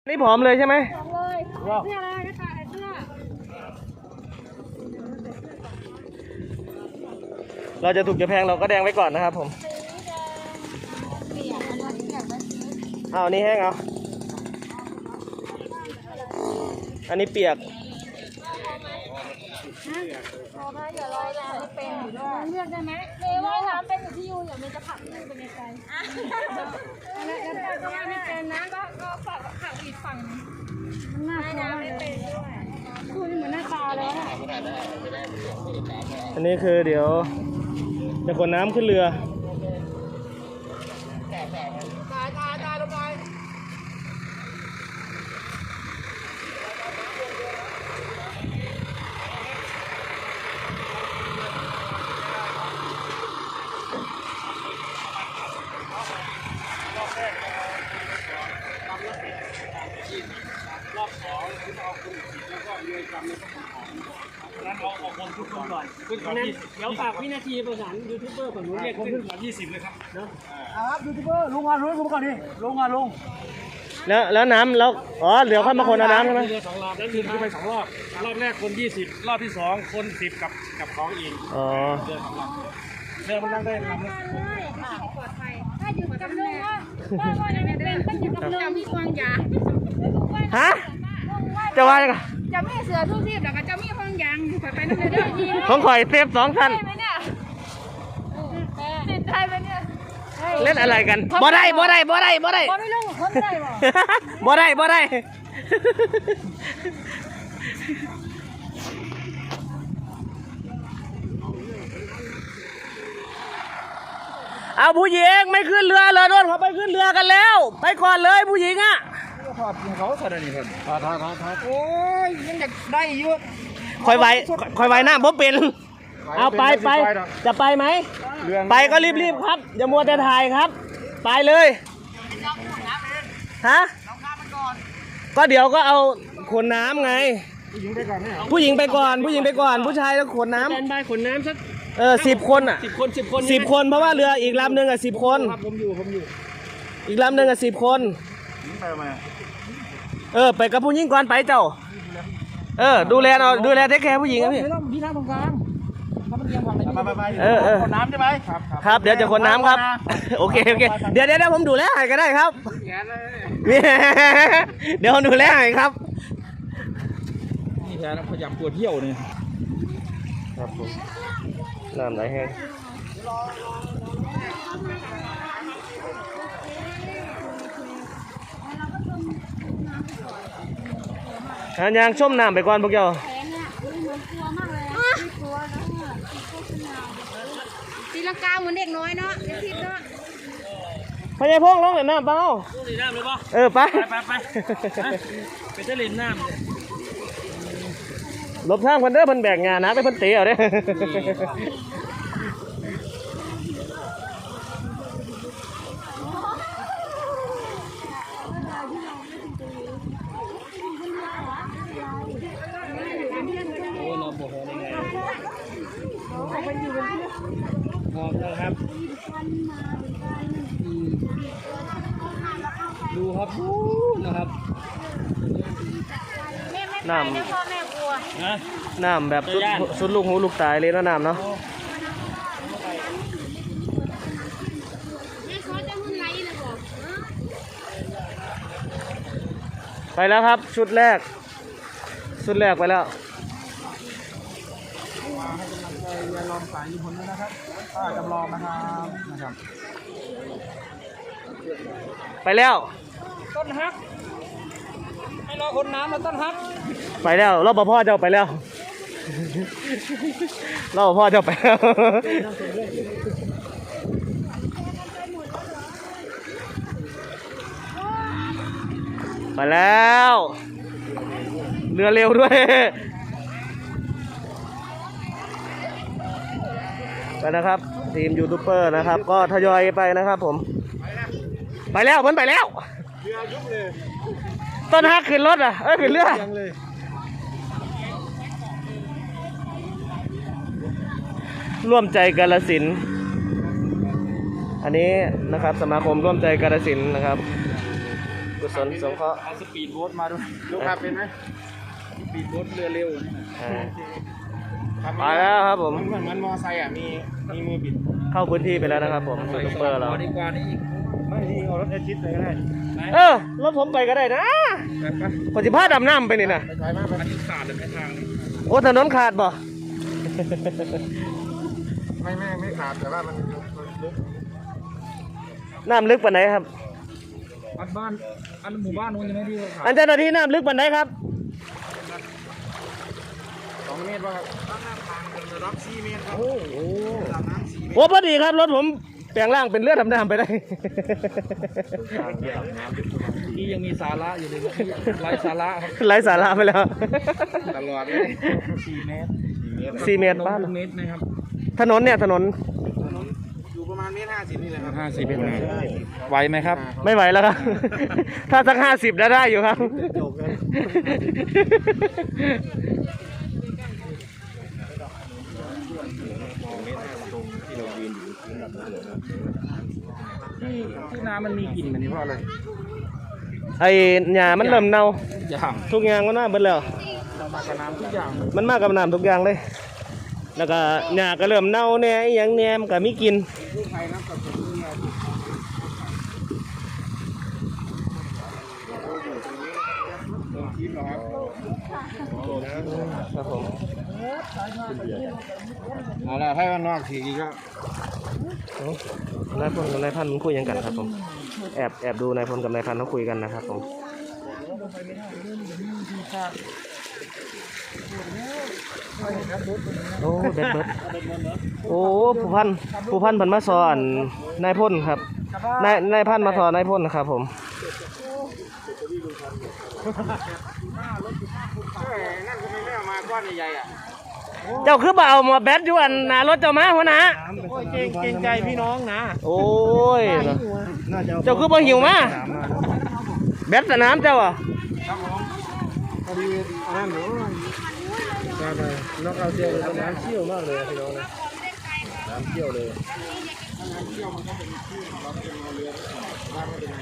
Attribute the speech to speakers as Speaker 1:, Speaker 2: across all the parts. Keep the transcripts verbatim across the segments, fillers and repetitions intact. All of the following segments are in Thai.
Speaker 1: นี่ผอมเลยใช่ไหม
Speaker 2: ผอมเลยเสื้ออะไรก็ใส่เสื้อ
Speaker 1: เราจะถูกจะแพงเราก็แดงไว้ก่อนนะครับผม
Speaker 2: เปียกอันนี้เปียกไหม
Speaker 1: เอาอันนี้แห้งเอาอันนี้เปียก
Speaker 2: พอไหมเดี๋ยวเราจะไม่เป็นอยู่ด้วยเลือกได้ไหมเลว่าถามเป็นอยู่ที่ยูเดี๋ยวมันจะผักนึ่งไปไกลๆแล้วแล้วก็ว่าไม่เป็นนะก็ก็ผักผักอีกฝั่งมันน่ากลัวไม่เป็นด้วยคุณเหมือนหน้าตาเลยนะ
Speaker 1: อันนี้คือเดี๋ยวจะขนน้ำขึ้นเรือ
Speaker 2: ตายตายตายลงไป
Speaker 3: รอบสองคุณเอาคุณผิดแล้วก็เรือกำแล้วก็ของนั้นเอาเอาคนทุกคนก่อนขึ้นก่อนยี่สิบเดี๋ยวฝากวินาทีประสานยูทูบเบอร์ฝั่งนู้นเรียกขึ้นก่อนยี่สิบเลยครับเนาะ
Speaker 4: ครับยูทูบเบอร์ลงงานลงลงก่อนดิลงงานลง
Speaker 1: แล้วแล้วน้ำแล้วอ๋อเดี๋ยวค่อยมาคนเอาน้ำใช่ไหม
Speaker 3: เรือสองรอบนั้นคือไปสองรอบรอบแรกคนยี่สิบรอบที่สองคนสิบกับกับของอีก
Speaker 1: อ๋อ
Speaker 3: เรือสองรอบเรือมันนั่งได้ลำละ
Speaker 2: ปลอดภัยถ้าอยู่กับลุงว่าว่าว่าจะเป็นต้องอยู่กับลุงมีควงยา
Speaker 1: ฮะจะว่ายังไง
Speaker 2: จะมีเสือทุกทีแล้วก็จะมีควงยางไปไปนั่นเลยด้วย
Speaker 1: ของข่อยเซฟสองคัน
Speaker 2: ติดใจไหมเนี่ย
Speaker 1: เล่นอะไรกันบ่ได้บ่ได้บ่ได้บ่ได้
Speaker 2: บ่ไม่ลงคนได้บ่
Speaker 1: บ่ได้บ่ได้เอาผู้หญิงไม่ขึ้นเรือเลยโดนเขาไปขึ้นเรือกันแล้วไปก่อนเลยผู้หญิงอ่ะ
Speaker 4: ถอดเขาใส่ได้นี่คนถอดถอดถอดถอดโอ้ยยังอยากได้เยอะ
Speaker 1: คอยไว้คอยไว้หน้าผมเป็นเอาไปไปจะไปไหมไปก็รีบๆครับอย่ามัวแต่ถ่ายครับไปเลยฮะก็เดี๋ยวก็เอาขนน้ำไงผู้หญิงไปก่อนผู้หญิงไปก่อนผู้หญิงไปก่อนผู้ชายแล้วขนน้ำ
Speaker 3: แทนใบขนน้ำสัก
Speaker 1: เออสิบคนอ่ะ
Speaker 3: สิบคนสิบคน
Speaker 1: สิบคนเพราะว่าเรืออีกลำหนึ่งอ่ะสิบคน
Speaker 3: ครับผมอยู่ผมอยู่
Speaker 1: อีกลำหนึ่งอ่ะสิบคน
Speaker 4: ไปไหม
Speaker 1: เออไปกับผู้หญิงก่อนไปเจ้าเออดูแลเอาดูแลเทคแคร์ผู้หญิงครับพี่
Speaker 4: พี่นั่งตรงกลางถ้ามันเอียงฝั่งไหนไปไป
Speaker 1: เออเออ
Speaker 4: ขนน้ำใช่ไหมครับ
Speaker 1: ครับเดี๋ยวจะขนน้ำครับโอเคโอเคเดี๋ยวเดี๋ยวผมดูแลให้ก็ได้ครับเดี๋ยวผมดูแลให้ครับ
Speaker 4: นี่แทนพยายามตัวเที่ยวนี่
Speaker 1: ครับผมน้ำไหลแห้งหายางชมน้ำไปก่อนพวกเจ้า
Speaker 2: ตีลังกาเหมือนเด็กน้อยเนาะเด็กทิพย์เนาะ
Speaker 1: พญายพงลงเล่นน้ำเปล่า
Speaker 3: ลงเล่นน้ำเลยป่ะ
Speaker 1: เออไป
Speaker 3: ไปไปไปจะเล่นน้ำ
Speaker 1: ลบทางเพิ่นเด้อเพิ่นแบกงานนะไปเพิ่นเตะเอาเด้
Speaker 3: โอ้เราบอกยังไงมองนะครับดูครับดูนะครับ
Speaker 1: น้ำน้ำแบบสุดสุดลูกหูลูกตายเลยนะน้ำเนาะไปแล้วครับชุดแรกชุดแรกไปแล้ว
Speaker 4: ยาลองสายญี่ปุ่นด้วยนะครับป้าจำลองนะครับนะครับ
Speaker 1: ไปแล้ว
Speaker 4: ต้นฮักให้รอคนน้ำแล้วต้นฮัก
Speaker 1: ไปแล้วรอบพ่อเจ้าไปแล้วรอบพ่อเจ้าไปแล้วไปแล้วเรือเร็วด้วยไปนะครับทีมยูทูบเบอร์นะครับก็ทยอยไปนะครับผมไปแล้วมันไปแล้วเรือยุบเลยต้นฮักขึ้นรถอ่ะเอ้ยขึ้นเรือร่วมใจกาฬสินธุ์อันนี้นะครับสมาคมร่วมใจกาฬสินธุ์นะครับกุศลสงเคราะห์
Speaker 4: เอาสปีดโบ๊ทมาด้วยลูกขับเป็นไหมสปีดโบ๊ทเรือเร็วนี่นะ
Speaker 1: อ่า
Speaker 4: ขับ
Speaker 1: ไปแล้วครับผม
Speaker 4: มันเหมือนมันมอไซค์อ่ะมีมีมือบิด
Speaker 1: เข้าพื้นที่ไปแล้วนะครับผมยูทูบเบอร์เรา
Speaker 4: ดีกว่านี่อีกไม่ดีเอารถเอชิดเลยก็ได้
Speaker 1: เออรถผมไปก็ได้นะ
Speaker 4: ไปไป
Speaker 1: ขอสิพาดำน้ำไปนี่นะ
Speaker 4: ไปไปมากไปอันนี้ขาดเลยไม่ทางนี้
Speaker 1: โอ้ถนนขาดบ่
Speaker 4: ไม่ไม่ไม่ขาดแต่ว่ามันมันลึก
Speaker 1: น้ำลึกปานไหนครับ
Speaker 4: อันบ้านอันหมู่บ้านนู้นยังไม่ที่ขาด
Speaker 1: อันเจ้าหน้าที่น้ำลึกปานไหนครับ
Speaker 4: สองเมตรป่ะครับน้ำทางเป็นระดับสี่เมตรครับโอ้โหระดับน้ำสี่เมตร
Speaker 1: โอ้พอดีครับรถผมแปลงร่างเป็นเลือดดำน้ำไปได้
Speaker 4: นี่ยังมีสาระอยู่เลยไร้สาระครับ
Speaker 1: ไร้สาระไปแล้ว
Speaker 4: ตลอดเลยสี่เมตร
Speaker 1: สี่เมตรบ้าน
Speaker 4: เมตรนะครับ
Speaker 1: ถนนเนี่ยถนน
Speaker 4: อยู่ประมาณเมตรห้าสิบนี่แหละครับห้าสิบเมตรไหวไหมครับ
Speaker 1: ไม่ไหวแล้วครับ ถ้าสักห้าสิบได้ได้อยู่ครับ
Speaker 4: จบเลยที่ที่น้ำมันมีกลิ่นแบบนี้เพราะอะไร
Speaker 1: ไอ้หญ้ามันเริ่มเน่า
Speaker 4: อย่าง
Speaker 1: ทุกอย่างมันน่าเบิดแล้ว
Speaker 4: เรามากับน้ำทุกอย่าง
Speaker 1: มันมากับน้ำทุกอย่างเลย แล้วก็หญ้าก็เริ่มเน่าแหน่อหย่างแหน่มันก็มีกลิน
Speaker 4: ผู้ภัยน้ำกับผมเนี่ยคิดเหรอครับ
Speaker 1: ครับผม
Speaker 4: เอาละให้มันนอกทีนี้ก็
Speaker 1: นายพลกับนายพันธุ์มันคุยยังกันครับผม แอบแอบดูนายพลกับนายพันธุ์เขาคุยกันนะครับผม โอ้เบ็ดเบิดโอ้ผู้พันผู้พันพันมาสอนนายพลครับนายนายพันมาสอนนายพลนะครับผม
Speaker 4: นั่นก็ไม่เอามาก้อนใหญ่ๆอ่ะ
Speaker 1: เจ้าคือบ่เอามาแบตอยู่อันหน้ารถเจ้ามาหัวหน้า
Speaker 4: โอ้ยเก่งเก่งใจพี่น้องนะ
Speaker 1: โอ้ยเจ้าคือบ่หิวมาแบตสนามเจ้าอ่ะ
Speaker 4: ครับผมพอดีนั่นหนูใช่ใช่นกเอาเจียวเลยน้ำเชี่ยวมากเลยพี่น้องนะน้ำเชี่ยวเลยน้ำเชี่ยวมันก็เป็นที่เราเป็นเรือบ้านก็เป็นไง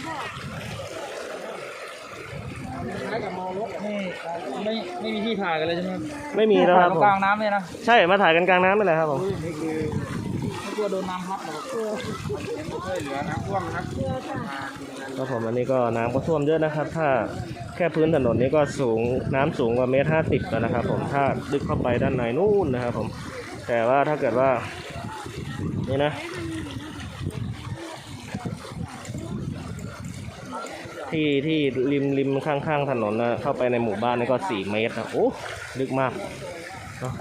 Speaker 4: คล้ายกับมอรถไม่ไม่มีที่ถ่ายกันเลยใช่ไหม
Speaker 1: ไม่มีแล้วครับผม
Speaker 4: กลางน้ำเลยนะ
Speaker 1: ใช่มาถ่ายกันกลางน้ำไปเลยครับผม
Speaker 4: นี่คือไม่กลัวโดนน้ำพัดหรอกช่วยเหลือน้ำท่วมนะครับ
Speaker 1: ครับผมอันนี้ก็น้ำก็ท่วมเยอะนะครับ ถ้าแค่พื้นถนนนี้ก็สูงน้ำสูงกว่าเมตรห้าสิบแล้วนะครับผมถ้าลึกเข้าไปด้านในนู่นนะครับผมแต่ว่าถ้าเกิดว่านี่นะที่ที่ริมริมข้างๆถนนนะเข้าไปในหมู่บ้านนี่ก็สี่เมตรนะโอ้ลึกมากเนาะ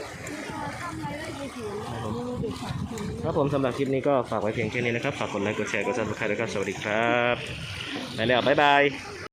Speaker 1: ครับผมสำหรับคลิปนี้ก็ฝากไว้เพียงแค่นี้นะครับฝากกดไลค์กดแชร์กดซับสไครต์แล้วก็สวัสดีครับไปแล้วบ๊ายบาย